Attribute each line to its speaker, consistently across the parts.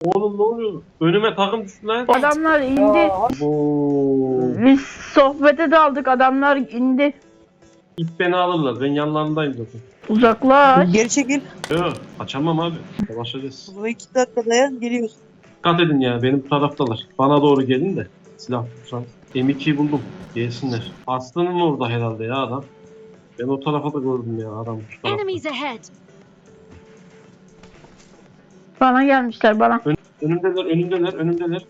Speaker 1: Oğlum ne oluyor? Önüme takım düştü lan.
Speaker 2: Adamlar indi.
Speaker 1: Oo.
Speaker 2: Biz sohbete daldık. Adamlar indi.
Speaker 1: İlk beni alırlar. Ben yanlarındayım zaten.
Speaker 2: Uzaklaş.
Speaker 3: Geri çekil.
Speaker 1: Yok. Kaçamam abi. Savaşacağız.
Speaker 3: Bu 2 dakika dayan geliyoruz.
Speaker 1: Dikkat edin ya. Benim taraftalar. Bana doğru gelin de. Silah tutsan. M2'yi buldum. Gelsinler. Aslı'nın orada herhalde ya adam. Ben o tarafa da gördüm ya adam. Şu tarafta.
Speaker 4: Enemies ahead.
Speaker 2: Bana gelmişler bana.
Speaker 1: Önümdeler, önümdeler, önümdeler.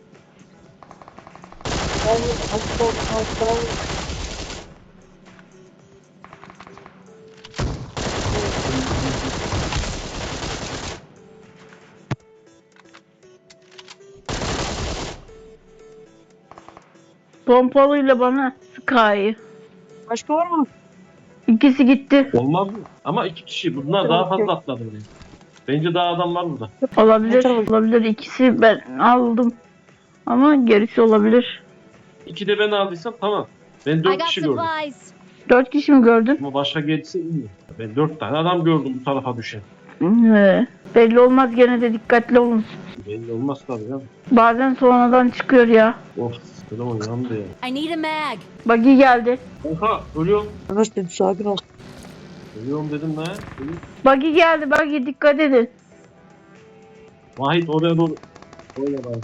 Speaker 2: Pompalıyla bana Sky.
Speaker 3: Başka var mı?
Speaker 2: İkisi gitti.
Speaker 1: Olmaz mı? Ama iki kişi. Bunlar daha fazla atladı buraya. Bence daha adam var burada.
Speaker 2: Olabilir. Olabilir. İkisi ben aldım. Ama gerisi olabilir.
Speaker 1: İki de ben aldıysam tamam. Ben
Speaker 4: I
Speaker 1: dört
Speaker 4: got
Speaker 1: kişi gördüm.
Speaker 4: supplies.
Speaker 2: 4 kişi mi gördün?
Speaker 1: Ama başka gelirse iyi. Ben 4 tane adam gördüm bu tarafa düşen.
Speaker 2: Belli olmaz, gene de dikkatli olun.
Speaker 1: Belli olmaz tabii ya.
Speaker 2: Bazen sonradan çıkıyor ya.
Speaker 1: Of, telefon yandı ya.
Speaker 4: I need a mag.
Speaker 2: Buggy geldi.
Speaker 1: Oha, ölüyorum.
Speaker 3: Arkadaşlar sakin ol.
Speaker 1: Ölüyorum dedim lan. Ölüyorum.
Speaker 2: Buggy geldi, buggy dikkat edin.
Speaker 1: Vahit oraya doğru. Oraya bak.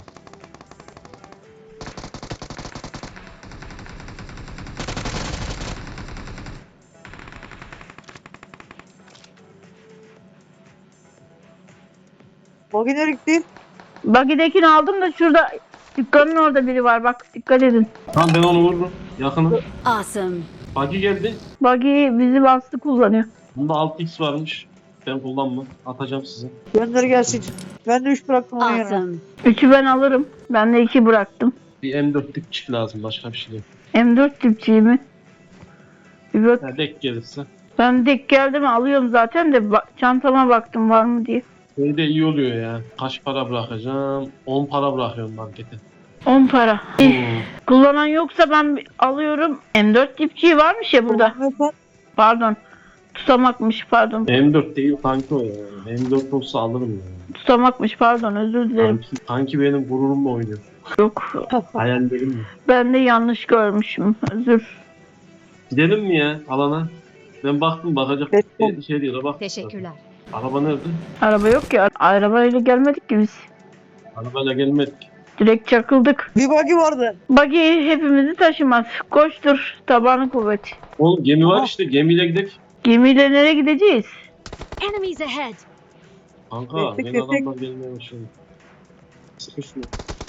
Speaker 3: Buggy nereye gitti?
Speaker 2: Buggy'dekini aldım da şurada dükkanın orada biri var, bak dikkat edin.
Speaker 1: Tamam ben onu vururum. Yakınım.
Speaker 4: Awesome.
Speaker 1: Buggy geldi.
Speaker 2: Buggy bizi bastı kullanıyor.
Speaker 1: Bunda 6x varmış. Ben kullanmam. Atacağım size.
Speaker 3: Gönder gelsin. Ben de 3 bıraktım onun yerine.
Speaker 4: Awesome.
Speaker 2: 3'ü ben alırım. Ben de 2 bıraktım.
Speaker 1: Bir M4 dipçik lazım. Başka bir şey yok.
Speaker 2: M4 tipçiyi mi? Bir bak.
Speaker 1: Ha, dek gelirse.
Speaker 2: Ben dek geldi mi alıyorum zaten de çantama baktım var mı diye.
Speaker 1: Böyle de iyi oluyor ya. Kaç para bırakacağım? 10 para bırakıyorum markete.
Speaker 2: 10 para.
Speaker 1: Hmm.
Speaker 2: Kullanan yoksa ben alıyorum. M4 tipçiyi varmış ya burada.
Speaker 3: Kullanmıyorsan
Speaker 2: Pardon. Tutamakmış pardon.
Speaker 1: M4 değil kanki o ya. M4 olsa alırım ya.
Speaker 2: Tutamakmış pardon, özür dilerim.
Speaker 1: Kanki benim gururumla oynuyor.
Speaker 2: Yok.
Speaker 1: Hayallerim mi?
Speaker 2: Ben de yanlış görmüşüm. Özür.
Speaker 1: Gidelim mi ya alana? Ben baktım bakacak bir şey değil. Bak.
Speaker 4: Teşekkürler.
Speaker 1: Araba nerede?
Speaker 2: Araba yok ya. Arabayla gelmedik ki biz.
Speaker 1: Arabayla gelmedik.
Speaker 2: Direkt çakıldık.
Speaker 3: bir buggy vardı.
Speaker 2: Buggy hepimizi taşımaz. Koştur. Tabanı kuvvet.
Speaker 1: Oğlum gemi var
Speaker 3: Aha.
Speaker 1: işte gemiyle gidelim.
Speaker 2: Gemiyle nereye gideceğiz?
Speaker 4: Enemies ahead.
Speaker 1: Kanka
Speaker 3: Tek,
Speaker 1: ben
Speaker 3: tek, tek.
Speaker 1: adamlar gelmeye başladı. Sıkı şunu.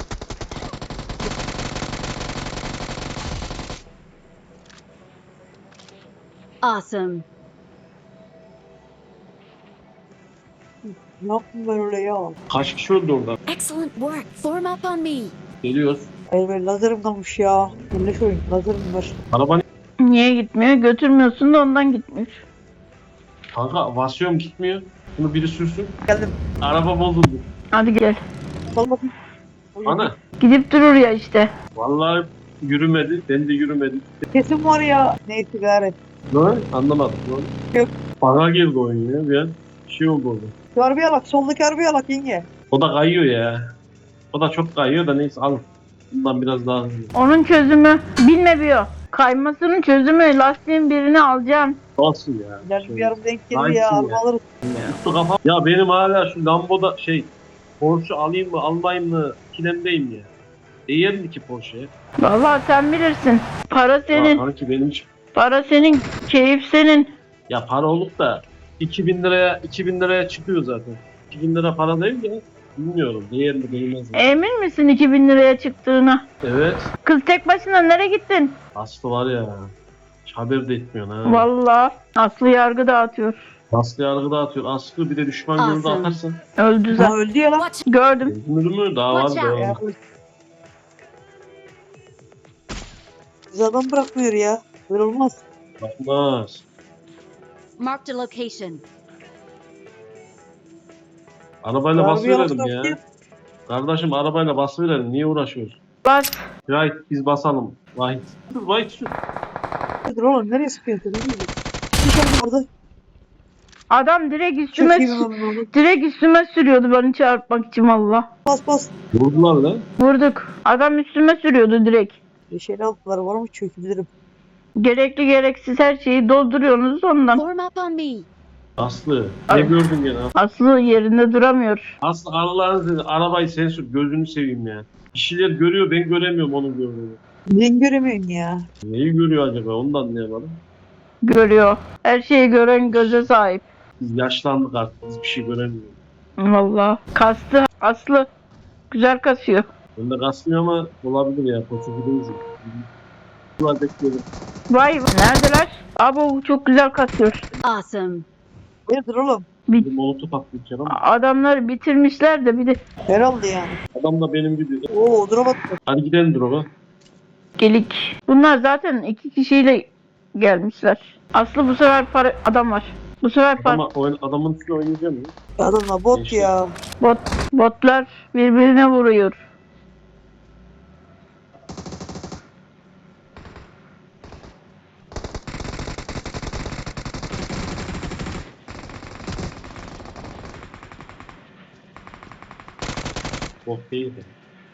Speaker 4: Awesome.
Speaker 3: Ne yaptım ben öyle ya?
Speaker 1: Kaç kişi öldü orada?
Speaker 4: Excellent work. Form up on me.
Speaker 1: Geliyoruz.
Speaker 3: Hayır ben lazerim kalmış ya. Yanlış oyun. Lazerim var.
Speaker 1: Araba
Speaker 2: Niye gitmiyor? Götürmüyorsun da ondan gitmiyor.
Speaker 1: kanka vasıyorum gitmiyor. Bunu biri sürsün.
Speaker 3: Geldim.
Speaker 1: Araba bozuldu.
Speaker 2: Hadi gel.
Speaker 3: Sal bakayım.
Speaker 1: Ana.
Speaker 2: Gidip durur ya işte.
Speaker 1: Vallahi yürümedi. Ben de yürümedim.
Speaker 3: Kesin var ya. Neyse gari.
Speaker 1: Ne? Anlamadım. Ne?
Speaker 3: Yok.
Speaker 1: Bana girdi oyun ya. Bir an şey oldu orada.
Speaker 3: Şu arabaya bak. Soldaki arabaya bak yenge.
Speaker 1: O da kayıyor ya. O da çok kayıyor da neyse alın. Bundan biraz daha hızlı.
Speaker 2: Onun çözümü bilmiyor. Kaymasının çözümü lastiğin birini alacaksın.
Speaker 1: Nasıl ya?
Speaker 3: İleride bir araba denk gelir
Speaker 1: Nice
Speaker 3: ya.
Speaker 1: ya.
Speaker 3: Araba alırız.
Speaker 1: Tuttu kafam. Ya benim hala şu Lambo'da Porsche alayım mı almayayım mı ikilemdeyim ya. Değer mi ki Porsche'ye?
Speaker 2: Vallahi sen bilirsin. Para senin.
Speaker 1: Kanki benim hiç...
Speaker 2: Para senin. Keyif senin.
Speaker 1: Ya para olup da 2000 liraya çıkıyor zaten. 2000 lira para değil ya. Bilmiyorum değer mi değmez mi?
Speaker 2: Emin misin 2000 liraya çıktığına?
Speaker 1: Evet.
Speaker 2: Kız tek başına nereye gittin?
Speaker 1: Aslı var ya. Hiç haber de etmiyorsun ha.
Speaker 2: Vallahi Aslı yargı dağıtıyor.
Speaker 1: Aslı yargı dağıtıyor. Aslı bir de düşman gözü
Speaker 4: Awesome.
Speaker 1: atarsan.
Speaker 2: Öldü zaten.
Speaker 3: Ha öldü ya lan.
Speaker 4: Watch.
Speaker 2: Gördüm.
Speaker 1: Öldürür mü? Daha var
Speaker 4: Watch out.
Speaker 1: be.
Speaker 3: Ya, Biz adam bırakmıyor ya. Böyle olmaz.
Speaker 1: Bakmaz.
Speaker 4: Marked a location.
Speaker 1: Arabayla
Speaker 3: Arabaya
Speaker 1: basıverelim
Speaker 3: baksak
Speaker 1: ya. Kardeşim arabayla basıverelim. Niye uğraşıyoruz?
Speaker 2: Bas.
Speaker 1: Vahit biz basalım. Vahit. Vahit sür.
Speaker 3: Dur oğlum nereye sıkıyorsun? Nereye gidiyorsun? Bir şey orada.
Speaker 2: Adam
Speaker 3: Çok iyi bir
Speaker 2: direkt üstüme sürüyordu beni çarpmak için valla.
Speaker 3: Bas bas.
Speaker 1: Vurdular lan.
Speaker 2: Vurduk. Adam üstüme sürüyordu direkt.
Speaker 3: Yeşil altılar var mı çökebilirim.
Speaker 2: Gerekli gereksiz her şeyi dolduruyorsunuz ondan.
Speaker 4: Form up on me.
Speaker 1: Aslı. Ne
Speaker 2: Ay.
Speaker 1: gördün gene?
Speaker 2: Aslı yerinde duramıyor.
Speaker 1: Aslı Allah'ın izniyle arabayı sen sür. Gözünü seveyim ya. Kişiler görüyor ben göremiyorum onun gördüğünü.
Speaker 3: Ben göremiyorum ya.
Speaker 1: Neyi görüyor acaba onu da anlayamadım.
Speaker 2: Görüyor. Her şeyi gören göze sahip.
Speaker 1: Biz yaşlandık artık biz bir şey göremiyoruz.
Speaker 2: Valla. Kastı Aslı. Güzel kasıyor.
Speaker 1: Ben de kasmıyor ama olabilir ya. Kötü bir değilsin. Bunlar bekliyorum.
Speaker 2: Vay neredeler? Abo çok güzel kasıyor.
Speaker 4: Awesome.
Speaker 3: Nedir oğlum?
Speaker 1: Bir molotof atlayacağım ama
Speaker 2: Adamlar bitirmişler de bir de
Speaker 3: Herhalde yani.
Speaker 1: adam da benim gibi.
Speaker 3: Oo drop attı.
Speaker 1: Hadi gidelim drop'a.
Speaker 2: gelik. Bunlar zaten 2 kişiyle gelmişler. Aslı bu sefer adam var. Bu sefer
Speaker 1: Adamın üstüne oynayacağım ya.
Speaker 3: Adamlar bot
Speaker 1: Geçti.
Speaker 3: ya.
Speaker 2: botlar birbirine vuruyor.
Speaker 1: Bot değil de.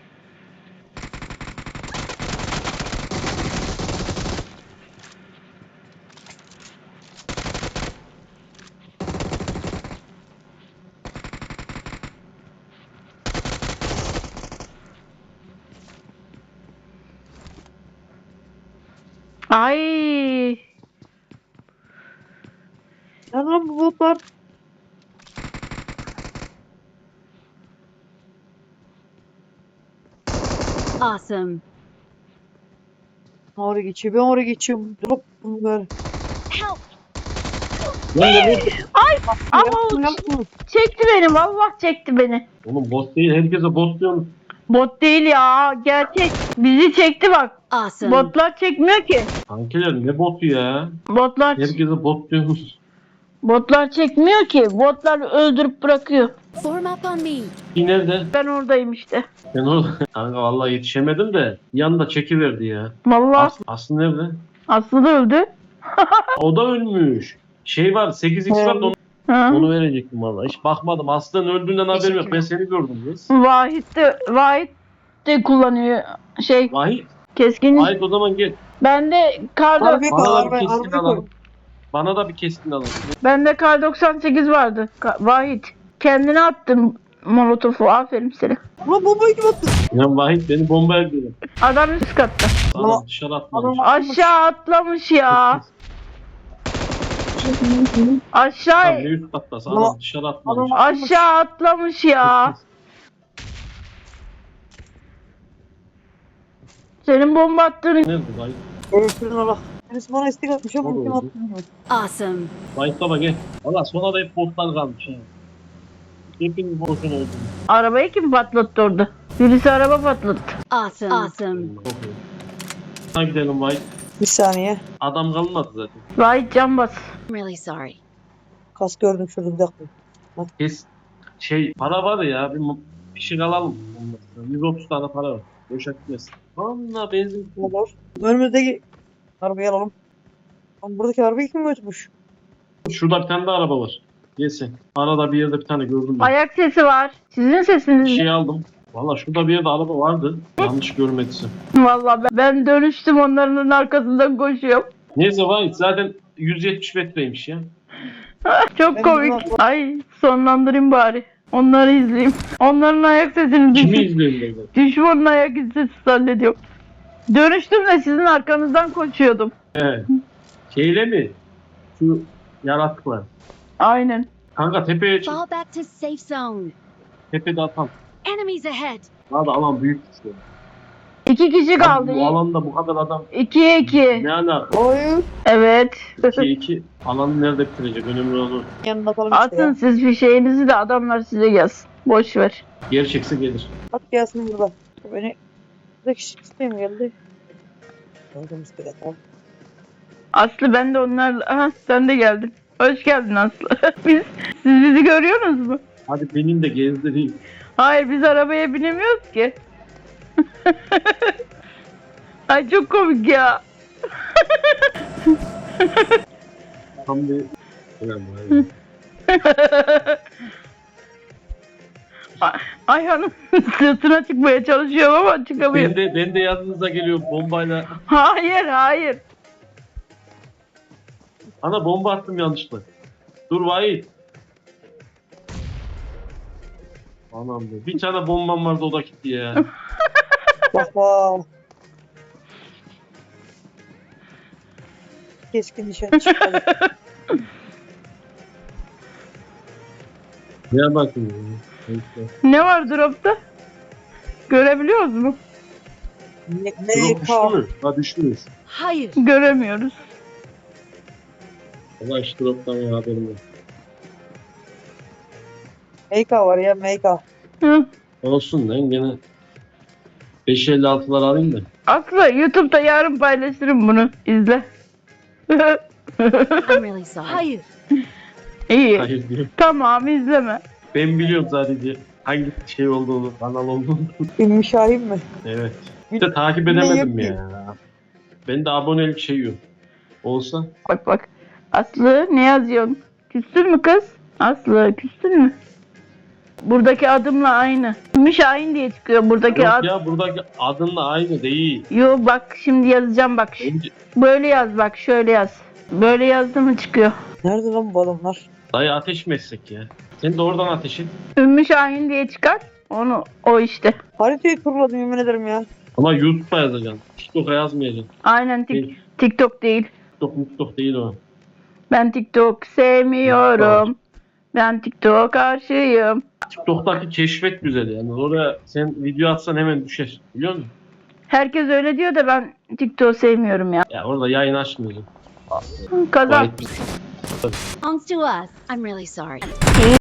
Speaker 2: Ay
Speaker 3: Nerede lan bu botlar?
Speaker 4: Awesome.
Speaker 3: Oraya geçiyor. Ben oraya geçiyorum. Drop bunu ver.
Speaker 4: Help.
Speaker 1: Lan ne bot?
Speaker 2: ama çekti beni vallahi çekti beni.
Speaker 1: Oğlum bot değil. Herkese bot diyorsun.
Speaker 2: Bot değil ya gerçek. Bizi çekti bak.
Speaker 4: Awesome.
Speaker 2: Botlar çekmiyor ki.
Speaker 1: Kankiler ne botu ya?
Speaker 2: Botlar
Speaker 1: Herkese bot diyorsunuz.
Speaker 2: botlar çekmiyor ki. Botlar öldürüp bırakıyor.
Speaker 4: Form up on me.
Speaker 1: İyi nerede?
Speaker 2: Ben oradayım işte.
Speaker 1: Ben orada. Kanka vallahi yetişemedim de yanında çekiverdi ya.
Speaker 2: Vallahi
Speaker 1: Aslı nerede?
Speaker 2: Aslı da öldü.
Speaker 1: O da ölmüş. Şey var 8x var da
Speaker 2: Ha.
Speaker 1: onu verecektim vallahi. Hiç bakmadım. Aslı'nın öldüğünden haberim yok. Ben seni gördüm kız.
Speaker 2: Vahit de kullanıyor şey
Speaker 1: Vahit.
Speaker 2: keskin.
Speaker 1: Vahit o zaman gel.
Speaker 2: Bende kar
Speaker 3: Harbi
Speaker 1: Bana da bir
Speaker 3: harbi
Speaker 1: keskin
Speaker 3: harbi
Speaker 1: alalım.
Speaker 3: koy.
Speaker 1: Bana da bir keskin alalım.
Speaker 2: bende kar 98 vardı. Vahit kendine attın molotofu. Aferin sana.
Speaker 3: Ulan bombayı kim attı?
Speaker 1: Ya Vahit beni bombaya diyor.
Speaker 2: Adam üst katta.
Speaker 1: Sana dışarı atmamış.
Speaker 2: Aşağı atlamış ya. Aşağı
Speaker 1: Tamam ne üst kattası adam dışarı atmamış.
Speaker 2: aşağı atlamış ya. Senin bomba attığını
Speaker 1: Nerede Vahit?
Speaker 3: Öğretmenin Allah. Birisi bana istek atmış ama
Speaker 1: O da
Speaker 3: kim
Speaker 1: oldu.
Speaker 3: attı bilmiyorum.
Speaker 4: Awesome.
Speaker 1: Vahit baba gel. Valla sonra da hep botlar kalmış ha. Hepiniz boşuna öldünüz.
Speaker 2: arabayı kim patlattı orada? Birisi araba patlattı.
Speaker 4: Awesome. Awesome.
Speaker 1: Çok iyi. Hadi gidelim Vahit.
Speaker 3: Bir saniye.
Speaker 1: Adam kalmadı zaten.
Speaker 2: Vahit can bas.
Speaker 4: I'm really sorry.
Speaker 3: Kas gördüm şurada bir dakika.
Speaker 1: Kes para var ya bir şey alalım. 130 tane para var. Boşa gitmesin. Valla benzin
Speaker 3: Ne var? Önümüzdeki arabayı alalım. Ama buradaki arabayı kim götürmüş?
Speaker 1: şurada bir tane de araba var. Gelsin. Arada bir yerde bir tane gördüm ben.
Speaker 2: Ayak sesi var. Sizin sesiniz
Speaker 1: Bir
Speaker 2: mi?
Speaker 1: şey aldım. Valla şurada bir yerde araba vardı. Yanlış görmediysem.
Speaker 2: Vallahi ben dönüştüm onların arkasından koşuyorum.
Speaker 1: Neyse Vahit zaten 170 metreymiş ya.
Speaker 2: Çok
Speaker 3: Ben
Speaker 2: komik.
Speaker 3: bunu-
Speaker 2: Ay sonlandırayım bari. Onları izleyeyim. Onların ayak sesini
Speaker 1: Kimi
Speaker 2: düşün.
Speaker 1: izliyorsun böyle?
Speaker 2: Düşmanın ayak sesi zannediyorum. Dönüştüm de sizin arkanızdan koşuyordum.
Speaker 1: He. Şeyle mi? Şu yaratıklar.
Speaker 2: Aynen.
Speaker 1: Kanka tepeye çık.
Speaker 4: Fall back to safe zone.
Speaker 1: Tepede atam.
Speaker 4: Enemies ahead.
Speaker 1: Daha da alan büyük işte.
Speaker 2: 2 kişi kaldı.
Speaker 1: Bu alanda bu kadar adam
Speaker 2: 2'ye 2.
Speaker 1: ne alaka?
Speaker 3: Oyun.
Speaker 2: Evet.
Speaker 1: 2-2 alanı nerede bitirecek? Önemli olan o.
Speaker 3: Yanına atalım işte
Speaker 2: Atın
Speaker 3: ya.
Speaker 2: siz bir şeyinizi de adamlar size gelsin. Boş ver.
Speaker 1: Gerçekse gelir.
Speaker 3: At gelsin burada. Beni buradaki sistem geldi. Gördüm istek atalım.
Speaker 2: Aslı ben de onlarla... Aha sen de geldin. Hoş geldin Aslı. Siz bizi görüyorsunuz mu?
Speaker 1: Hadi benim de gezdireyim.
Speaker 2: Hayır biz arabaya binemiyoruz ki. Ay çok komik ya.
Speaker 1: Tam bir... Ulan vay be.
Speaker 2: Ayhan'ın sırtına çıkmaya çalışıyorum ama çıkamıyorum.
Speaker 1: Ben de yanınıza geliyorum bombayla.
Speaker 2: Hayır hayır.
Speaker 1: Ana bomba attım yanlışlıkla. Dur Vahit. Anam be. Bir tane bombam vardı o da gitti ya.
Speaker 3: Bak bak. Keskin nişan çıkmadı.
Speaker 1: Ne bakayım ya. Neyse.
Speaker 2: Ne var dropta? Görebiliyoruz mu?
Speaker 1: Drop düştü
Speaker 3: MK.
Speaker 1: mü? Ha düşmüş.
Speaker 4: Hayır.
Speaker 2: Göremiyoruz.
Speaker 1: Valla hiç droptan ya haberim yok.
Speaker 3: MK var ya MK.
Speaker 2: Hı.
Speaker 1: Olsun lan gene 556'lar alayım da.
Speaker 2: Aslında YouTube'da yarın paylaşırım bunu. İzle.
Speaker 4: I'm really sorry. Hayır.
Speaker 2: İyi.
Speaker 1: Hayır diyorum.
Speaker 2: Tamam izleme.
Speaker 1: Ben biliyorum sadece hangi şey olduğunu, kanal olduğunu.
Speaker 3: Ümmü Şahin mi?
Speaker 1: Evet. İşte takip
Speaker 3: Ne
Speaker 1: edemedim
Speaker 3: yapayım?
Speaker 1: ya. Ben de abonelik şey yok. Olsa
Speaker 2: Bak bak. Aslı ne yazıyorsun? Küstün mü kız? Aslı küstün mü? Buradaki adımla aynı. Ümmü Şahin diye çıkıyor buradaki
Speaker 1: yok
Speaker 2: ad.
Speaker 1: ya buradaki adınla aynı değil.
Speaker 2: Yo bak şimdi yazacağım bak.
Speaker 1: Bence,
Speaker 2: Böyle yaz bak şöyle yaz. Böyle yazdı mı çıkıyor.
Speaker 3: Nerede lan bu adamlar?
Speaker 1: dayı ateş mi etsek ya? Sen de oradan ateş et.
Speaker 2: Ümmü Şahin diye çıkar. Onu o işte.
Speaker 3: Haritayı turladım yemin ederim ya.
Speaker 1: Ama YouTube'a yazacaksın. TikTok'a yazmayacaksın.
Speaker 2: Aynen
Speaker 1: Değil.
Speaker 2: TikTok değil.
Speaker 1: TikTok değil o.
Speaker 2: Ben TikTok sevmiyorum. Ben TikTok'a karşıyım.
Speaker 1: TikTok'taki keşfet güzel yani. Oraya sen video atsan hemen düşer. Biliyor musun?
Speaker 2: Herkes öyle diyor da ben TikTok'u sevmiyorum ya.
Speaker 1: Ya orada yayın açmıyorsun.
Speaker 2: Kazan.
Speaker 1: Gayet
Speaker 4: Belongs to us. I'm really sorry.